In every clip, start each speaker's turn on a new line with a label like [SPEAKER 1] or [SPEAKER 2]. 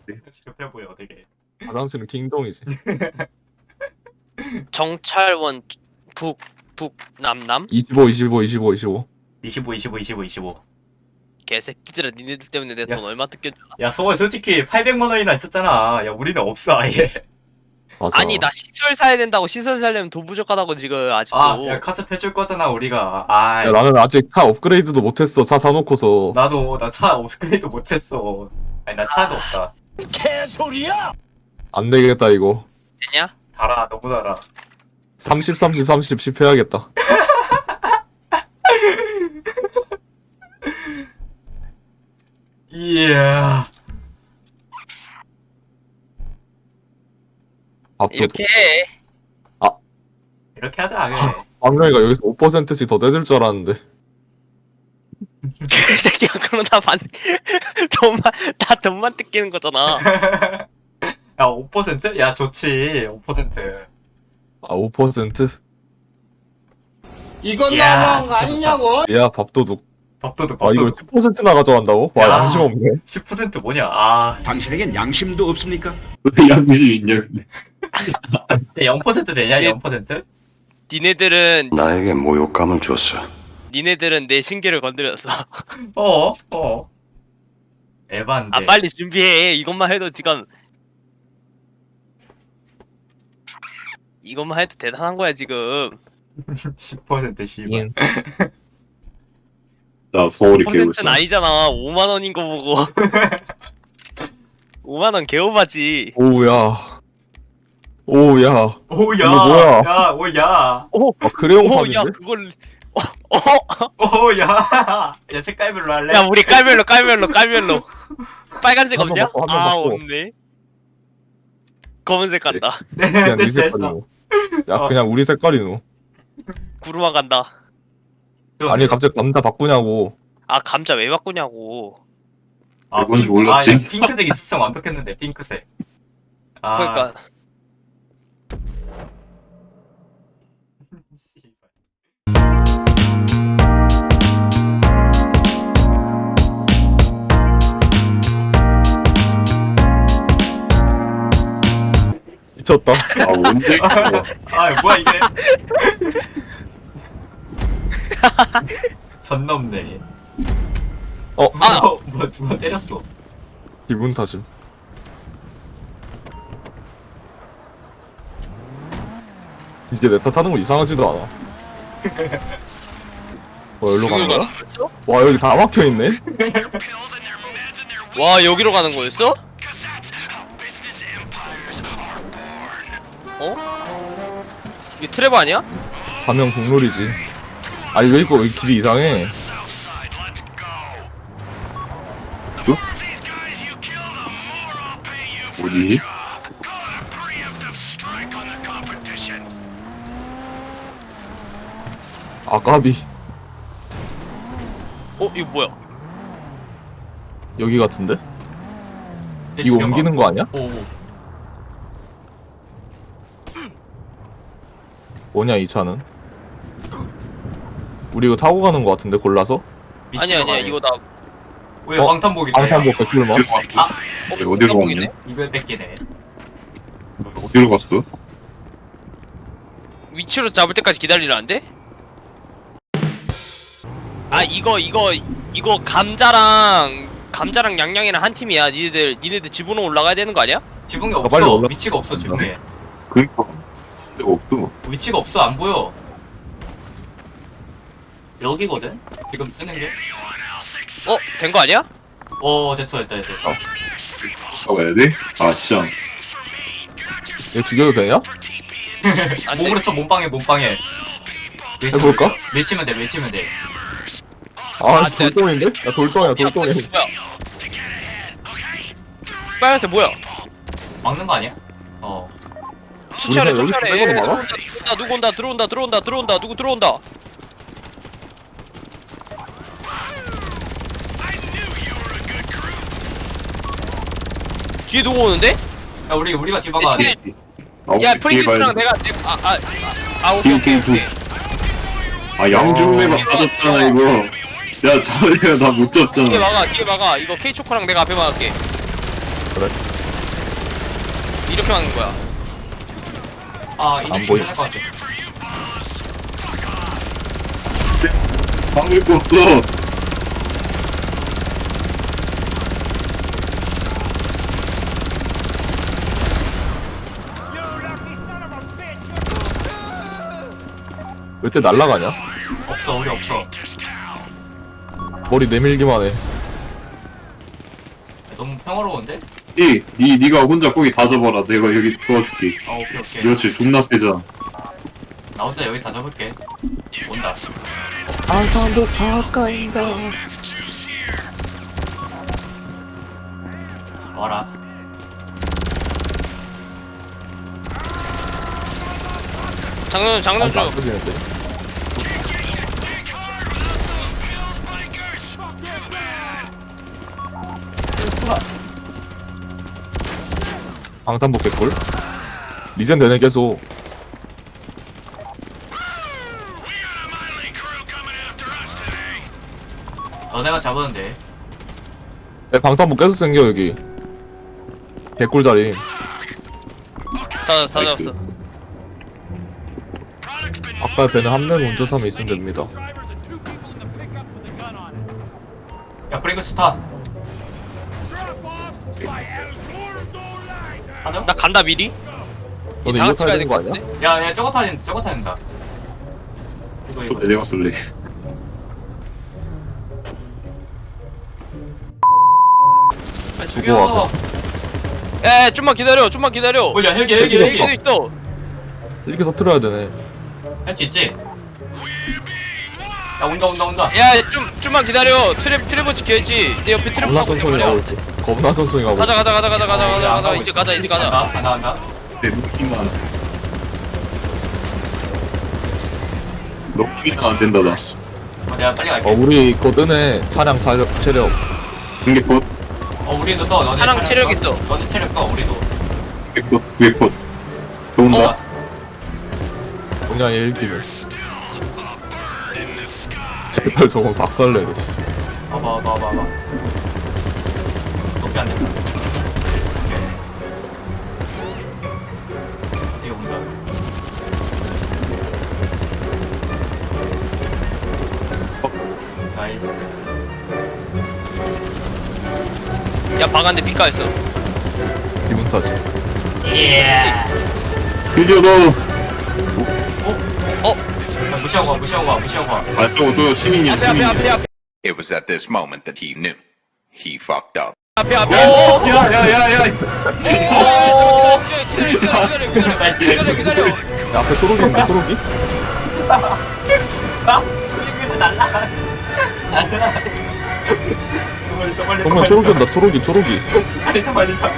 [SPEAKER 1] 급해 보여 되게.
[SPEAKER 2] 화장실은 킹동이지.
[SPEAKER 3] 정찰원 북남남
[SPEAKER 2] 25, 25, 25, 25.
[SPEAKER 1] 25 25 25 25.
[SPEAKER 3] 개새끼들아 니네들 때문에 내
[SPEAKER 1] 야.
[SPEAKER 3] 돈 얼마 뜯겨.
[SPEAKER 1] 야 소월 솔직히 800만 원이나 있었잖아. 야 우리는 없어 아예.
[SPEAKER 2] 맞아.
[SPEAKER 3] 아니 나 시설 사야 된다고. 시설 사려면 돈 부족하다고 지금 아직도.
[SPEAKER 1] 아야 카스 해줄 거잖아 우리가. 아
[SPEAKER 2] 야, 나는 아직 차 업그레이드도 못했어. 차 사놓고서.
[SPEAKER 1] 나도 나 차 업그레이드 못했어. 아니 나 차도 없다.
[SPEAKER 2] 안 되겠다, 이거.
[SPEAKER 3] 되냐?
[SPEAKER 1] 달아 너무 달아.
[SPEAKER 2] 30, 30, 30, 10 해야겠다.
[SPEAKER 1] 이야.
[SPEAKER 2] 밥도.
[SPEAKER 3] 이렇게 해.
[SPEAKER 1] 이렇게 하자 그래.
[SPEAKER 2] 왕명이가 여기서 5%씩 더 떼줄 줄 알았는데.
[SPEAKER 3] 개새끼가 그러다 나 돈만 뜯기는 거잖아.
[SPEAKER 1] 야 5%? 야 좋지 5%.
[SPEAKER 2] 아, 5%?
[SPEAKER 4] 이건
[SPEAKER 1] 야,
[SPEAKER 4] 너무한 거
[SPEAKER 1] 좋다,
[SPEAKER 4] 아니냐고?
[SPEAKER 2] 야, 밥도둑.
[SPEAKER 1] 밥도둑
[SPEAKER 2] 아, 이걸
[SPEAKER 1] 밥도둑.
[SPEAKER 2] 10%나 가져간다고? 와,
[SPEAKER 1] 야.
[SPEAKER 2] 양심 없네.
[SPEAKER 1] 10% 뭐냐? 아,
[SPEAKER 5] 당신에겐 양심도 없습니까?
[SPEAKER 6] 왜 양심 있냐 근데.
[SPEAKER 1] 야, 0% 되냐?
[SPEAKER 3] 예.
[SPEAKER 1] 0%?
[SPEAKER 3] 니네들은
[SPEAKER 7] 나에게 모욕감을 줬어.
[SPEAKER 3] 내 신기를 건드렸어.
[SPEAKER 1] 에반데.
[SPEAKER 3] 아 빨리 준비해. 이것만 해도 지금 이것만 해도 대단한 거야 지금.
[SPEAKER 1] 10% 씨발.
[SPEAKER 2] 잉.
[SPEAKER 6] 나 서울이
[SPEAKER 3] 퍼센트는
[SPEAKER 6] 개울사.
[SPEAKER 3] 아니잖아. 5만 원인 거 보고. 5만 원 개오바지.
[SPEAKER 2] 오우야. 오우야.
[SPEAKER 1] 오야.
[SPEAKER 2] 이거 뭐야?
[SPEAKER 1] 야, 오야.
[SPEAKER 2] 아, 크레용
[SPEAKER 3] 오,
[SPEAKER 2] 판인데?
[SPEAKER 3] 야 그걸.
[SPEAKER 1] 오야. 야, 색깔별로 할래?
[SPEAKER 3] 야 우리 깔별로. 빨간색
[SPEAKER 2] 한번
[SPEAKER 3] 없냐?
[SPEAKER 2] 바꿔, 한번
[SPEAKER 3] 아
[SPEAKER 2] 바꿔.
[SPEAKER 3] 없네. 검은색 간다.
[SPEAKER 1] 네,
[SPEAKER 2] 그냥 네
[SPEAKER 1] 됐어, 됐어.
[SPEAKER 2] 색깔이노. 야,
[SPEAKER 1] 어.
[SPEAKER 2] 그냥 우리 색깔이노.
[SPEAKER 3] 구루마 간다.
[SPEAKER 2] 아니, 갑자기 감자 바꾸냐고.
[SPEAKER 3] 아 감자 왜 바꾸냐고.
[SPEAKER 6] 뭔지 몰랐지?
[SPEAKER 1] 아, 핑크색이 진짜 완벽했는데, 핑크색. 아,
[SPEAKER 3] 그러니까
[SPEAKER 1] 씨발.
[SPEAKER 2] 미쳤다.
[SPEAKER 6] 아 언제?
[SPEAKER 1] 아, 뭐야, 이게. 선 넘네. 뭐야, 누가 때렸어.
[SPEAKER 2] 기분 탓임. 이제 내 차 타는 거 이상하지도 않아. 여기로 가는 거야? 와, 여기 다 막혀있네?
[SPEAKER 3] 와 여기로 가는 거였어? 어? 이게 트레버 아니야?
[SPEAKER 2] 가면 국룰이지. 아니, 왜 이거 길이 이상해?
[SPEAKER 6] 있어? 어디?
[SPEAKER 2] 아, 까비.
[SPEAKER 3] 이거 뭐야?
[SPEAKER 2] 여기 같은데? 이거 옮기는 거 아니야?
[SPEAKER 1] 오,
[SPEAKER 2] 뭐냐, 이 차는? 우리 이거 타고 가는 거 같은데, 골라서?
[SPEAKER 3] 아니야 이거 나
[SPEAKER 1] 왜
[SPEAKER 2] 어?
[SPEAKER 1] 방탄복이다.
[SPEAKER 2] 방탄복 100불만?
[SPEAKER 6] 어디로 갔냐?
[SPEAKER 1] 이걸 뺏기네.
[SPEAKER 6] 어디로 갔어?
[SPEAKER 3] 위치로 잡을 때까지 기다리라는데? 아 이거 감자랑 양양이랑 한 팀이야. 니네들 지붕으로 올라가야 되는 거 아니야?
[SPEAKER 1] 지붕이
[SPEAKER 2] 빨리
[SPEAKER 1] 없어.
[SPEAKER 2] 올라-
[SPEAKER 1] 위치가 없어, 지붕에.
[SPEAKER 6] 그니까 데가 없어.
[SPEAKER 1] 위치가 없어, 안 보여. 여기거든? 지금 뜨는 게?
[SPEAKER 3] 된 거 아니야?
[SPEAKER 1] 됐다.
[SPEAKER 6] 가봐야 돼? 아 진짜.
[SPEAKER 2] 얘 죽여도 되냐?
[SPEAKER 3] 안 돼.
[SPEAKER 1] 몸으로 쳐, 몸빵해.
[SPEAKER 2] 해볼까?
[SPEAKER 1] 외치면 돼.
[SPEAKER 2] 아,
[SPEAKER 3] 돼.
[SPEAKER 2] 돌덩인데? 야, 돌덩이야,
[SPEAKER 3] 야,
[SPEAKER 2] 돌덩이.
[SPEAKER 3] 뭐야? 빨간색 뭐야?
[SPEAKER 1] 막는 거 아니야?
[SPEAKER 3] 추천해.
[SPEAKER 2] 여기서 빼고는 많아?
[SPEAKER 3] 누구 들어온다. 누구 들어온다. 뒤에 누구 오는데?
[SPEAKER 1] 야, 우리가 뒤바가 돼.
[SPEAKER 3] 야
[SPEAKER 6] 뒤에
[SPEAKER 3] 프링크스랑
[SPEAKER 6] 봐야
[SPEAKER 3] 오케이.
[SPEAKER 6] 뒤에. 아 양중매가 빠졌잖아 이거. 야 저래가 다 못
[SPEAKER 3] 뒤에
[SPEAKER 6] 잡잖아.
[SPEAKER 3] 막아. 이거 K초코랑 내가 앞에 막을게.
[SPEAKER 2] 그래.
[SPEAKER 3] 이렇게 막는 거야.
[SPEAKER 1] 아 이거
[SPEAKER 2] 안
[SPEAKER 1] 지금
[SPEAKER 2] 보여.
[SPEAKER 1] 할것 같아.
[SPEAKER 6] 막을 거 없어.
[SPEAKER 2] 왜 때 날라가냐?
[SPEAKER 1] 없어 우리 없어.
[SPEAKER 2] 머리 내밀기만 해.
[SPEAKER 1] 너무 평화로운데?
[SPEAKER 6] 니가 혼자 거기 다 잡아라. 내가 여기 도와줄게.
[SPEAKER 1] 아 오케이 오케이.
[SPEAKER 6] 그렇지, 존나 세잖아.
[SPEAKER 1] 나 혼자 여기 다 잡을게. 온다.
[SPEAKER 2] 아산도 가까이다.
[SPEAKER 1] 와라.
[SPEAKER 3] 장난 좀.
[SPEAKER 2] 끄지는데. 방탄복 개꿀? 리젠 되네 계속.
[SPEAKER 1] 너네가 잡았는데.
[SPEAKER 2] 야, 방탄복 계속 생겨 여기. 개꿀 자리.
[SPEAKER 3] 다
[SPEAKER 6] 나이스.
[SPEAKER 3] 잡았어.
[SPEAKER 2] 아까 배는 한 명 운전사면 있으면 됩니다.
[SPEAKER 1] 야 프링글스 타. 하자.
[SPEAKER 3] 나 간다 미리.
[SPEAKER 2] 너도
[SPEAKER 3] 다
[SPEAKER 2] 이거
[SPEAKER 3] 같이
[SPEAKER 2] 타야
[SPEAKER 3] 가야
[SPEAKER 2] 되는
[SPEAKER 3] 될
[SPEAKER 2] 거
[SPEAKER 3] 것
[SPEAKER 2] 아니야?
[SPEAKER 3] 같은데?
[SPEAKER 1] 야야 저거 타야 된다. 이거
[SPEAKER 6] 쏠래, 내가 쏠래.
[SPEAKER 1] 아,
[SPEAKER 2] 죽어 와서.
[SPEAKER 3] 에 좀만 기다려. 좀만 기다려.
[SPEAKER 1] 뭐야 헬기
[SPEAKER 3] 여기도 있어.
[SPEAKER 2] 이렇게 터트려야 되네.
[SPEAKER 1] 할 수 있지? 야 온다.
[SPEAKER 3] 야 좀만 기다려. 트랩 지켜야지. 내 옆에 트랩
[SPEAKER 2] 겁나
[SPEAKER 3] 하고 있단
[SPEAKER 2] 천천히
[SPEAKER 3] 말이야.
[SPEAKER 2] 가고 있지. 겁나 천천히 가고 있지.
[SPEAKER 3] 가자. 이제 가자.
[SPEAKER 1] 간다.
[SPEAKER 6] 내 무기만. 너 무기가 안 된다, 나.
[SPEAKER 1] 내가 빨리 갈게.
[SPEAKER 2] 우리 거 뜨네. 차량 체력.
[SPEAKER 6] 근데 곧,
[SPEAKER 1] 우리도 떠. 너네
[SPEAKER 3] 사람 체력 있어.
[SPEAKER 1] 너네 체력 떠. 우리도.
[SPEAKER 6] 위에 곧. 좋은다.
[SPEAKER 2] 그냥 1기를. 제발 저건 박살내래. 씨.
[SPEAKER 1] 봐봐. 높이 안 된다. 오케이. 이게 온다. 나이스.
[SPEAKER 3] 야 방안데 빛가했어.
[SPEAKER 2] 기분 탓이.
[SPEAKER 1] 예.
[SPEAKER 6] 드디어 너.
[SPEAKER 1] 무시하고 가.
[SPEAKER 6] 아, 또 시민이야, 시민이야.
[SPEAKER 3] 앞에.
[SPEAKER 4] It was at this moment that he knew. He fucked up.
[SPEAKER 3] 앞에.
[SPEAKER 6] 야.
[SPEAKER 3] 기다려.
[SPEAKER 2] 야, 앞에 토록인데 토록이?
[SPEAKER 1] 이거 날라.
[SPEAKER 2] 정말 초록이 온다. 초록이.
[SPEAKER 1] 빨리 타.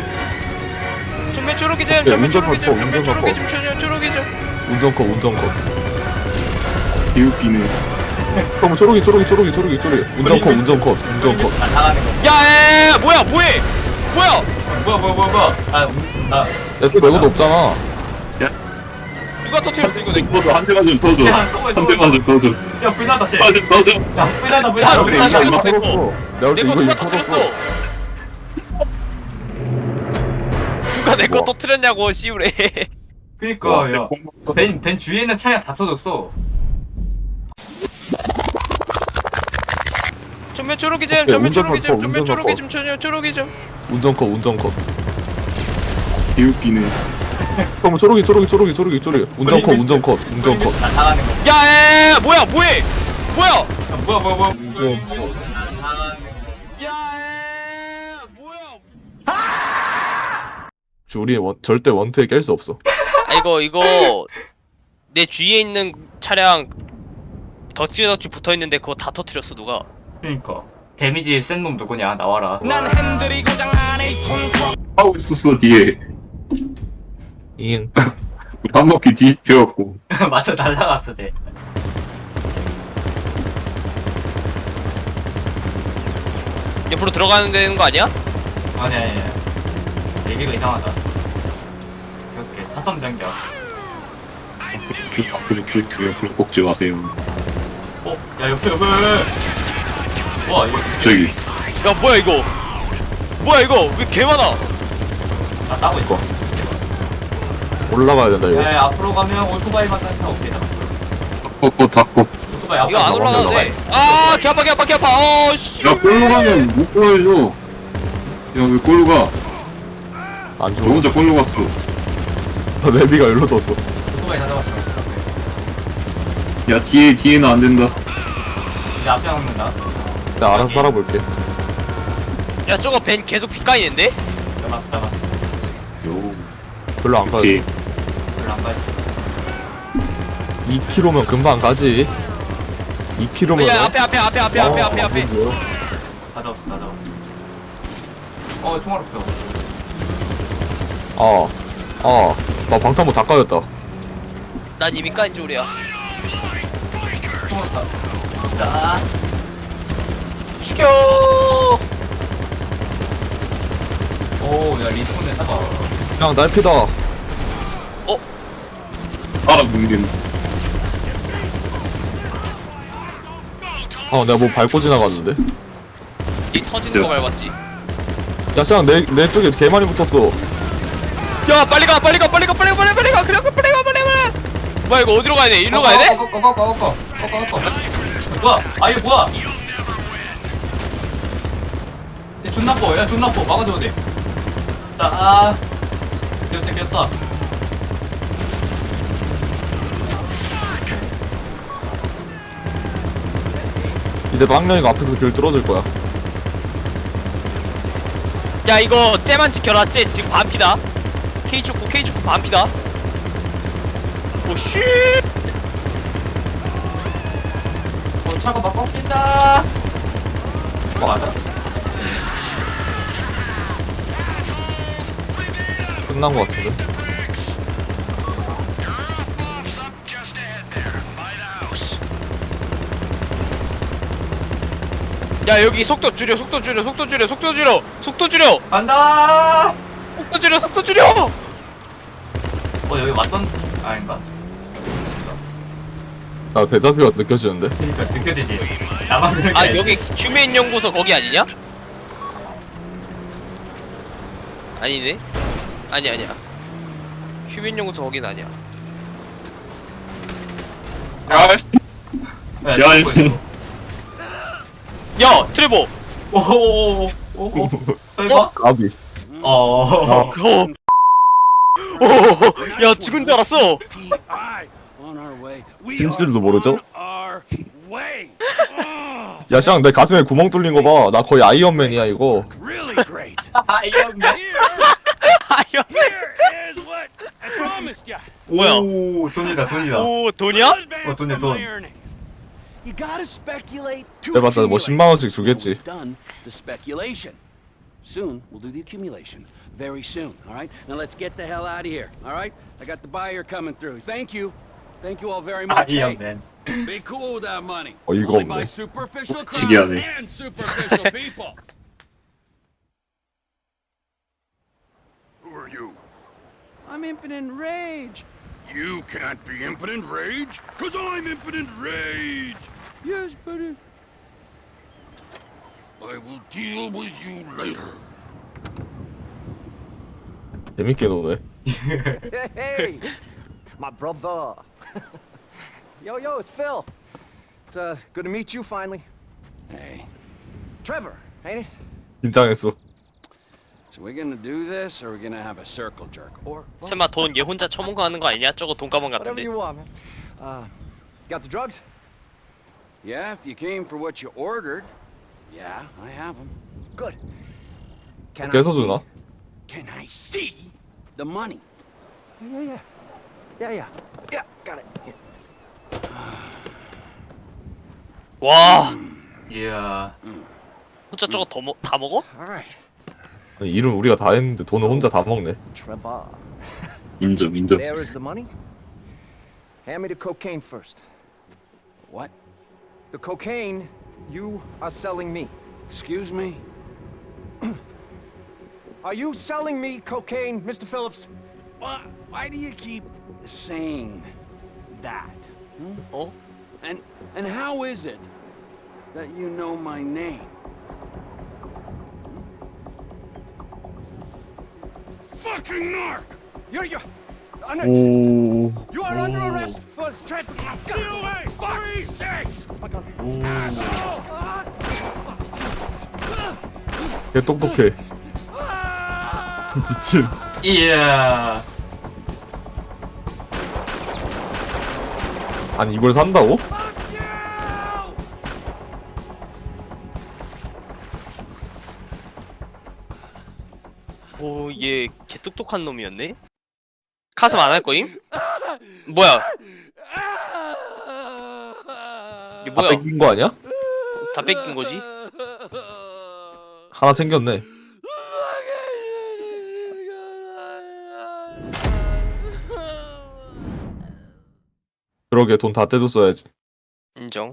[SPEAKER 3] 정면 초록이
[SPEAKER 2] 야, 운전 바꿔. 운전컷.
[SPEAKER 6] 개웃기네.
[SPEAKER 2] 그럼 초록이. 운전컷.
[SPEAKER 1] 나가는 거.
[SPEAKER 3] 야 뭐해?
[SPEAKER 1] 뭐야?
[SPEAKER 2] 야, 또 내것도 없잖아.
[SPEAKER 3] 누가 터뜨렸어 이거 내.
[SPEAKER 6] 터져, 한 대만 좀 터져.
[SPEAKER 1] 야, 쏘고 있어.
[SPEAKER 6] 한 대만 좀 터져.
[SPEAKER 1] 야 불나다 쟤.
[SPEAKER 6] 아, 좀 터져.
[SPEAKER 1] 야 불나다.
[SPEAKER 3] 야,
[SPEAKER 1] 불나다.
[SPEAKER 3] 진짜
[SPEAKER 2] 이거
[SPEAKER 3] 이거
[SPEAKER 2] 터졌어. 내가 볼때
[SPEAKER 3] 내거
[SPEAKER 2] 이거
[SPEAKER 3] 누가
[SPEAKER 2] 터졌어.
[SPEAKER 3] 터뜨렸어? 누가 내 거
[SPEAKER 2] 우와.
[SPEAKER 3] 터뜨렸냐고 씨우래.
[SPEAKER 1] 그니까 야벤 주위에 있는 차량 다 터졌어.
[SPEAKER 3] 전면 초록이 좀.
[SPEAKER 2] 운전컷.
[SPEAKER 6] 개웃기네.
[SPEAKER 2] 그럼 초록이. 운전컷.
[SPEAKER 1] 나 나가는 거.
[SPEAKER 3] 야 뭐해?
[SPEAKER 1] 뭐야?
[SPEAKER 3] 야 뭐야?
[SPEAKER 2] 우리 절대 원투에 깰 수 없어.
[SPEAKER 3] 아 이거 내 주위에 있는 차량 덧지 붙어 있는데 그거 다 터뜨렸어 누가?
[SPEAKER 1] 그니까 데미지 센 놈 누구냐 나와라.
[SPEAKER 6] 하고 있었어, 뒤에.
[SPEAKER 2] 잉.
[SPEAKER 6] 한 바퀴 뒤집혀갖고.
[SPEAKER 1] 맞아 날라갔어 쟤.
[SPEAKER 3] 옆으로 들어가는 되는 거 아니야?
[SPEAKER 1] 아니야. 얘기가 이상하다. 이렇게 타선 변경.
[SPEAKER 6] 옆으로 꺾지 마세요.
[SPEAKER 1] 야 옆에. 와 이거
[SPEAKER 6] 저기.
[SPEAKER 3] 야 뭐야 이거? 뭐야 이거 왜 개 많아?
[SPEAKER 1] 아 따고 있어.
[SPEAKER 2] 올라가야 된다 이거.
[SPEAKER 1] 야, 앞으로 가면 오토바이만 타니까 오케이 잡았어.
[SPEAKER 6] 닫고 닫고.
[SPEAKER 1] 오토바이 앞으로
[SPEAKER 3] 이거 안 올라가도 돼. 아, 개 아파, 개 아파, 개 아파. 씨.
[SPEAKER 6] 야 꼴로 가면 못 보여줘. 야왜 꼴로 가?
[SPEAKER 2] 안
[SPEAKER 6] 저
[SPEAKER 2] 죽어.
[SPEAKER 6] 혼자 꼴로 갔어.
[SPEAKER 2] 너 내비가 일로 떴어.
[SPEAKER 1] 오토바이 다 잡았어.
[SPEAKER 6] 야 뒤에는 안 된다.
[SPEAKER 1] 이제 앞에 먹는다.
[SPEAKER 2] 내가 알아서 살아볼게.
[SPEAKER 3] 야, 저거 벤 계속 빗가이는데?
[SPEAKER 1] 잡았어.
[SPEAKER 6] 요.
[SPEAKER 2] 별로 안 가야
[SPEAKER 6] 그치.
[SPEAKER 2] 돼.
[SPEAKER 1] 별로 안 가있어.
[SPEAKER 2] 2km면 금방 가지. 2km면.
[SPEAKER 3] 야, 앞에.
[SPEAKER 2] 어,
[SPEAKER 1] 다 잡았어. 총알 없어.
[SPEAKER 2] 나 방탄복 다 까였다.
[SPEAKER 3] 난 이미 까인 줄이야.
[SPEAKER 1] 총알 없다. 자,
[SPEAKER 3] 죽여!
[SPEAKER 1] 오, 야 리스폰에 타봐.
[SPEAKER 2] 그냥 날피다.
[SPEAKER 6] 알아 뭉긴.
[SPEAKER 2] 내가 뭐 밟고 지나갔는데.
[SPEAKER 3] 니 터지는 거 밟았지.
[SPEAKER 2] 야, 그냥 내 쪽에 개 많이 붙었어.
[SPEAKER 3] 야, 빨리 가. 그래, 빨리 가. 뭐야, 이거 어디로 가야 돼? 일로 가야 돼?
[SPEAKER 1] 꺼. 뭐야? 아 이거 뭐야? 얘 존나 뻐. 막아줘야 돼. 자, 꼈어.
[SPEAKER 2] 이제 망령이가 앞에서 길 뚫어줄 거야.
[SPEAKER 3] 야, 이거 쟤만 지켜라. 쟤 지금 반피다. K초코 반피다. 오, 씨.
[SPEAKER 1] 차가 막 꺾인다. 맞아?
[SPEAKER 2] 끝난 거 같은데.
[SPEAKER 3] 야, 여기 속도 줄여.
[SPEAKER 1] 간다.
[SPEAKER 3] 속도 줄여.
[SPEAKER 1] 여기 왔던 아닌가?
[SPEAKER 2] 나 데자뷰가 느껴지는데.
[SPEAKER 1] 그러니까 느껴지지. 나만 그런 게
[SPEAKER 3] 아,
[SPEAKER 1] 아니지.
[SPEAKER 3] 여기 휴메인 연구소 거기 아니냐? 아니네. 아니야. 휴메인 연구소 거긴 아니야.
[SPEAKER 6] 야 야,
[SPEAKER 1] 있어.
[SPEAKER 3] 야, 트레버.
[SPEAKER 1] 오오오오. 설마?
[SPEAKER 2] 까비.
[SPEAKER 1] 어.
[SPEAKER 3] 야, 죽은 줄 알았어.
[SPEAKER 2] 진실도 모르죠? 야, 샹, 내 가슴에 구멍 뚫린 거 봐. 나 거의 아이언맨이야, 이거.
[SPEAKER 1] 아이언맨.
[SPEAKER 3] 뭐야?
[SPEAKER 1] 오, 돈이다.
[SPEAKER 3] 오, 돈이야?
[SPEAKER 1] 돈이야, 돈.
[SPEAKER 8] You gotta speculate to
[SPEAKER 2] 해봤자 뭐
[SPEAKER 8] accumulate.
[SPEAKER 2] 10만 원씩 주겠지.
[SPEAKER 8] We've done the speculation. Soon we'll do the accumulation. Very soon. All right. Now let's get the hell out of here. All right. I got the buyer coming through. Thank you. Thank you all very much. Hey,
[SPEAKER 1] 아이언맨.
[SPEAKER 8] be cool with that money.
[SPEAKER 2] 어이가
[SPEAKER 8] Only by
[SPEAKER 2] 없네.
[SPEAKER 8] superficial
[SPEAKER 6] 지기하네.
[SPEAKER 8] crowd and superficial people. Who are you? I'm Impotent Rage. You can't be Impotent Rage, cause I'm Impotent Rage. Yes, but I will deal with you later.
[SPEAKER 2] 재밌게 노네.
[SPEAKER 9] Hey, my brother. Yo, it's Phil. It's good to meet you finally.
[SPEAKER 8] Hey,
[SPEAKER 9] Trevor, ain't it?
[SPEAKER 2] 긴장했어.
[SPEAKER 8] so we're gonna do this, or we're gonna have a circle jerk, or
[SPEAKER 3] 설마 돈 얘 혼자 처먹고 하는 거 아니냐? 저거 돈가방
[SPEAKER 9] Whatever
[SPEAKER 3] 같은데.
[SPEAKER 9] you want, man. Got the drugs?
[SPEAKER 8] yeah, if you came for what you ordered, yeah, I have them.
[SPEAKER 9] Good. Can
[SPEAKER 2] 깨서 주나?
[SPEAKER 8] Can I see the money?
[SPEAKER 9] Yeah. Yeah, got it. Here.
[SPEAKER 3] 와,
[SPEAKER 1] 이야.
[SPEAKER 3] 혼자 저거 다 먹어?
[SPEAKER 9] All right,
[SPEAKER 2] 아니, 일은 우리가 다 했는데 돈을 혼자 다 먹네.
[SPEAKER 9] Trevor.
[SPEAKER 6] 인정.
[SPEAKER 9] There is the money. Hand me the cocaine first.
[SPEAKER 8] What?
[SPEAKER 9] The cocaine you are selling me.
[SPEAKER 8] Excuse me?
[SPEAKER 9] Are you selling me cocaine, Mr. Phillips?
[SPEAKER 8] Why do you keep saying that?
[SPEAKER 3] 어?
[SPEAKER 8] And how is it that you know my name? fucking narc! You're under,
[SPEAKER 2] 오.
[SPEAKER 8] you are under arrest for trespassing. DOA 36.
[SPEAKER 2] 걔 똑똑해. 미친.
[SPEAKER 1] 이야.
[SPEAKER 2] 아니 이걸 산다고?
[SPEAKER 3] 오, 얘 개 똑똑한 놈이었네. 카슴 안 할 거임? 뭐야? 이게
[SPEAKER 2] 다
[SPEAKER 3] 뭐야?
[SPEAKER 2] 뺏긴 거 아니야?
[SPEAKER 3] 다 뺏긴 거지?
[SPEAKER 2] 하나 챙겼네. 그러게 돈 다 떼줬어야지.
[SPEAKER 3] 인정.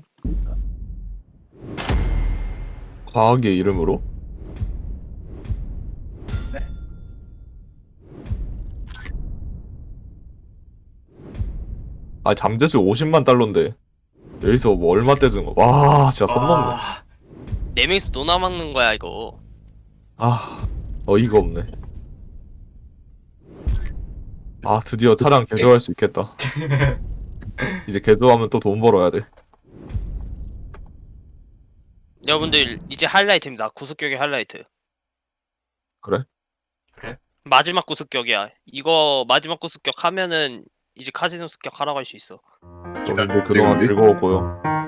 [SPEAKER 2] 과학의 이름으로? 아 잠재수 50만 달러인데 여기서 뭐 얼마 떼준 거? 와 진짜 선 넘네.
[SPEAKER 1] 아,
[SPEAKER 3] 네 명이서 노나 막는 거야 이거.
[SPEAKER 2] 아 어이가 없네. 아 드디어 차량 개조할 수 있겠다. 이제 개조하면 또 돈 벌어야 돼.
[SPEAKER 3] 여러분들 이제 하이라이트입니다. 구습격의 하이라이트.
[SPEAKER 2] 그래?
[SPEAKER 3] 마지막 구습격이야. 이거 마지막 구습격 하면은 이제 카지노 습격 하라고 할 수 있어.
[SPEAKER 2] 좀 그동안 즐거웠고요.